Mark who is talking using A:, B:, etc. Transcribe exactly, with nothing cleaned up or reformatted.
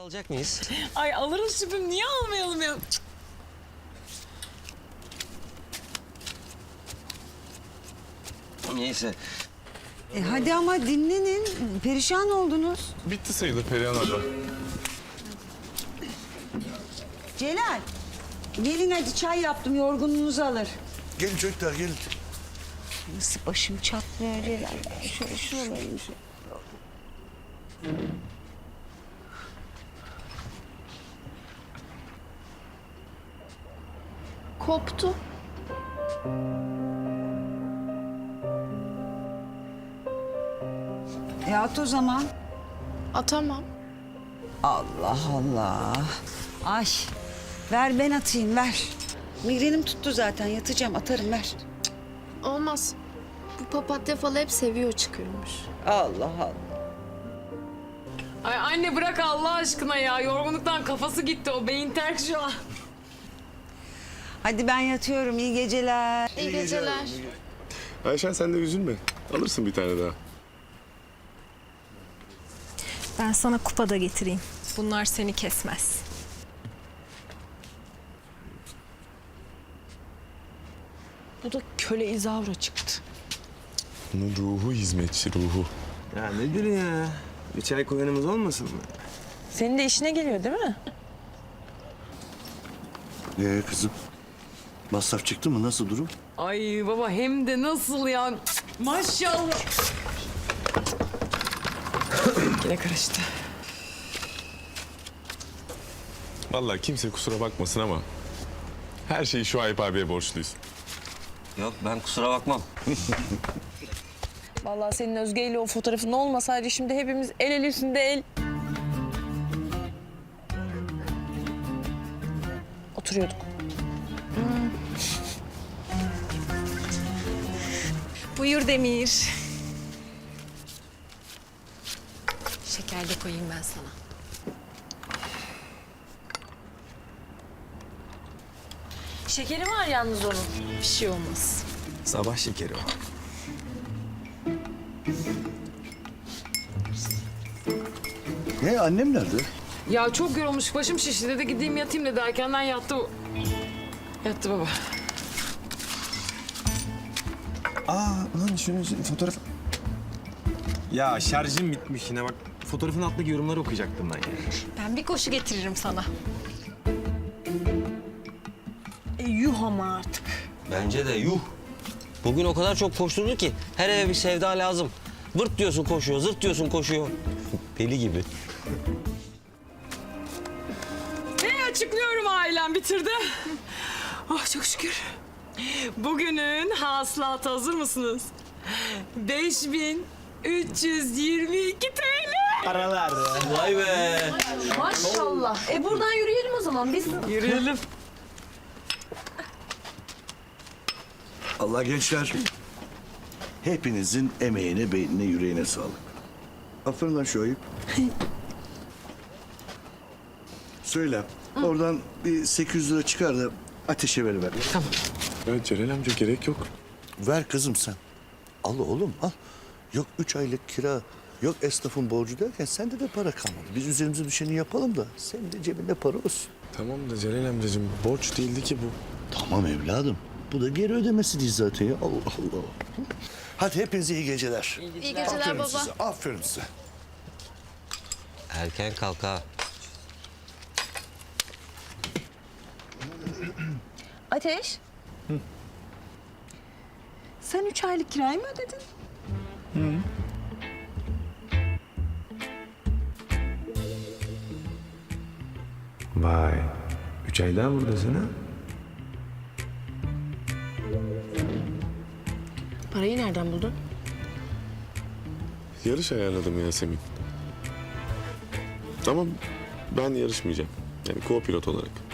A: alacak mıyız?
B: Ay alırız şüphem. Niye almayalım ya?
A: Neyse.
C: E hadi ama dinlenin. Perişan oldunuz.
D: Bitti sayılır Perihan abla.
C: Celal. Gelin hadi çay yaptım. Yorgunluğunuzu alır.
E: Gelin çocuklar gelin.
C: Nasıl başım çatlıyor Celal. Şöyle şuralarım.
F: Koptu.
C: E at o zaman.
F: Atamam.
C: Allah Allah. Ay. Ver ben atayım ver. Migrenim tuttu zaten yatacağım atarım ver.
F: Olmaz. Bu papatya falı hep seviyor çıkıyormuş.
C: Allah Allah.
B: Ay anne bırak Allah aşkına ya. Yorgunluktan kafası gitti. O beyin terk şu an.
C: Hadi ben yatıyorum iyi geceler.
F: İyi geceler.
D: Ayşen sen de üzülme. Alırsın bir tane daha.
G: Ben sana kupa da getireyim. Bunlar seni kesmez.
B: Bu da köle izavra çıktı.
D: Bunun ruhu hizmetçi ruhu.
A: Ya nedir ya? Bir çay koyanımız olmasın mı?
B: Senin de işine geliyor değil mi?
E: Ee kızım masraf çıktı mı nasıl durum?
B: Ay baba hem de nasıl ya? Maşallah. Yine karıştı.
D: Vallahi kimse kusura bakmasın ama her şeyi şu Ayıp abiye borçluyuz.
A: Yok ben kusura bakmam.
B: Vallahi senin Özge ile o fotoğrafın olmasaydı şimdi hepimiz el el üstünde el. Oturuyorduk.
G: Buyur Demir. Şeker de koyayım ben sana.
B: Şekeri var yalnız onun.
G: Bir şey olmaz.
A: Sabah şekeri o.
E: Ne annem nerede?
B: Ya çok yorulmuş, başım şişti dedi gideyim yatayım dedi. Erkenden yattı. o. Yattı baba.
H: Aa lan şunun fotoğraf... Ya şarjım bitmiş yine bak. Fotoğrafın altındaki yorumları okuyacaktım ben ya.
G: Ben bir koşu getiririm sana. E, yuh ama artık.
A: Bence de yuh. Bugün o kadar çok koşturdu ki her eve bir sevda lazım. Vırt diyorsun koşuyor, zırt diyorsun koşuyor. Deli gibi.
B: Ve açıklıyorum ailem bitirdi. Oh çok şükür. Bugünün hasılatı hazır mısınız? beş bin üç yüz yirmi iki T L.
A: Vay be.
F: Maşallah. E buradan yürüyelim o zaman biz.
B: Yürüyelim.
E: Allah gençler. Hepinizin emeğine, beynine, yüreğine sağlık. Aferin lan şu Ayıp. Söyle. Oradan bir sekiz yüz lira çıkar da ateşe veriver.
D: Evet Celal amca gerek yok.
E: Ver kızım sen. Al oğlum al. Yok üç aylık kira, yok esnafın borcu derken sende de para kalmadı. Biz üzerimize düşeni yapalım da senin de cebinde para olsun.
D: Tamam da Celal amcacığım borç değildi ki bu.
E: Tamam evladım. Bu da geri ödemesi değil zaten ya. Allah Allah. Hadi hepinize iyi geceler.
F: İyi geceler
E: Aferin
F: baba.
E: size, aferin size.
A: Erken kalk ha.
C: Ateş. Sen üç aylık kirayı mı ödedin?
H: Vay. Üç aydan buradasın ha?
F: Parayı nereden buldun?
D: Yarış ayarladım Yasemin. Ama ben yarışmayacağım. Yani co-pilot olarak.